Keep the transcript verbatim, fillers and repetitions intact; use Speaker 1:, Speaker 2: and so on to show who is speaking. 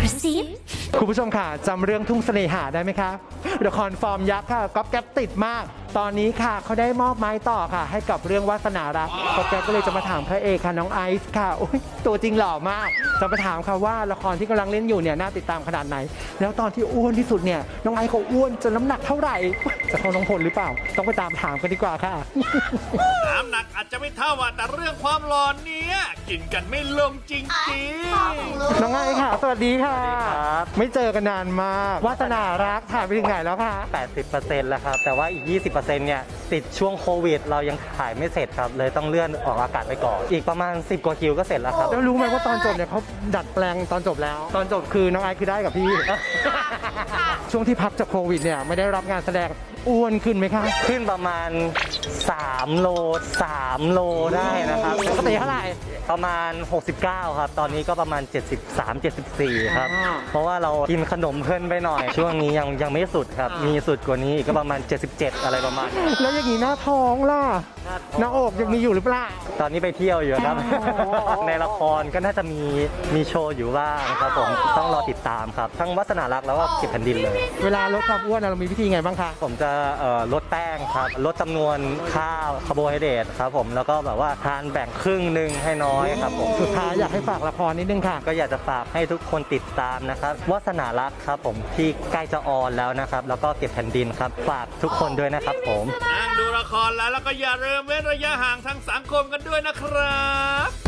Speaker 1: ระซิบ
Speaker 2: คุณผู้ชมค่ะจำเรื่องทุ่งเสน่หาได้ไหมคะละครฟอร์มยักษ์ค่ะก๊อฟแก๊ปติดมากตอนนี้ค่ะเขาได้มอบไม้ต่อค่ะให้กับเรื่องวาสนารักก๊อฟแก๊ปก็เลยจะมาถามพระเอกค่ะน้องไอซ์ค่ะโอ้ยตัวจริงหล่อมากจะมาถามค่ะว่าละครที่กำลังเล่นอยู่เนี่ยน่าติดตามขนาดไหนแล้วตอนที่อ้วนที่สุดเนี่ยน้องไอซ์เขาอ้วนจนน้ำหนักเท่าไหร่จะเท่าน้องพลหรือเปล่าต้องไปตามถามกันดีกว่าค่ะ
Speaker 3: น้ำหนักอาจจะไม่เท่าแต่เรื่องความหล่อเนี้ยกินกันไม่ลงจริงๆ
Speaker 2: น้องไอซ์ค่ะสวัสดีค่ะไม่เจอกันนานมากวาสนารักถ่ายไปถึงไหนแล้วคะ
Speaker 4: แปดสิบเปอร์เซ็นต์ แล้วครับแต่ว่าอีก ยี่สิบเปอร์เซ็นต์ เนี่ยติดช่วงโควิดเรายังถ่ายไม่เสร็จครับเลยต้องเลื่อนออกอากาศไปก่อนอีกประมาณสิบกว่าคิวก็เสร็จแล้วครับ
Speaker 2: แล้วรู้ไหมว่าตอนจบเนี่ยเขาดัดแปลงตอนจบแล้ว ตอนจบคือน้องไอซ์คือได้กับพี่ ช่วงที่พักจากโควิดเนี่ยไม่ได้รับงานแสดงอ้วนขึ้นไหมคะ
Speaker 4: ขึ้นประมาณสามโลสามโลได้นะครับ
Speaker 2: ปกติเท่าไหร่
Speaker 4: ประมาณหกสิบเก้าครับตอนนี้ก็ประมาณเจ็ดสิบสาม เจ็ดสิบสี่ครับ
Speaker 2: อ่า
Speaker 4: เพราะว่าเรากินขนมเพิ่นไปหน่อย ช่วงนี้ยังยังไม่สุดครับ
Speaker 2: อ่ามี
Speaker 4: มีสุดกว่านี้อีกก็ประมาณเจ็ดสิบเจ็ดอะไรประมาณนี้
Speaker 2: แล้วอย่างนี้หน้าท้องล่ะหน้าอกยังมีอยู่หรือเปล่า
Speaker 4: ตอนนี้ไปเที่ยวอยู่ครับ
Speaker 2: อ๋อ
Speaker 4: ในละครก็น่าจะมีมีโชว์อยู่บ้างครับผมต้องรอติดตามครับ ทั้งวาสนารักแล้วก็เก็บแผ่นดินเลย
Speaker 2: เวลาลดความอ้วนเรามีวิธีไงบ้างคะ
Speaker 4: ผมจะเอ่อลดแป้งครับลดจำนวนข้าวคาร์โบไฮเดรตครับผมแล้วก็แบบว่าทานแบ่งครึ่งหนึ่งให้น้อยครับผม
Speaker 2: สุดท้ายอยากให้ฝากละครนิดนึงค่ะ
Speaker 4: ก็อยากจะฝากให้ทุกคนติดตามนะครับวาสนารักครับผมที่ใกล้จะออนแล้วนะครับแล้วก็เก็บแผ่นดินครับฝากทุกคนด้วยนะครับผม
Speaker 3: นั่งดูละครแล้วแล้วก็อย่าลืมเว้นระยะห่างทางสังคมกันด้วยนะครับ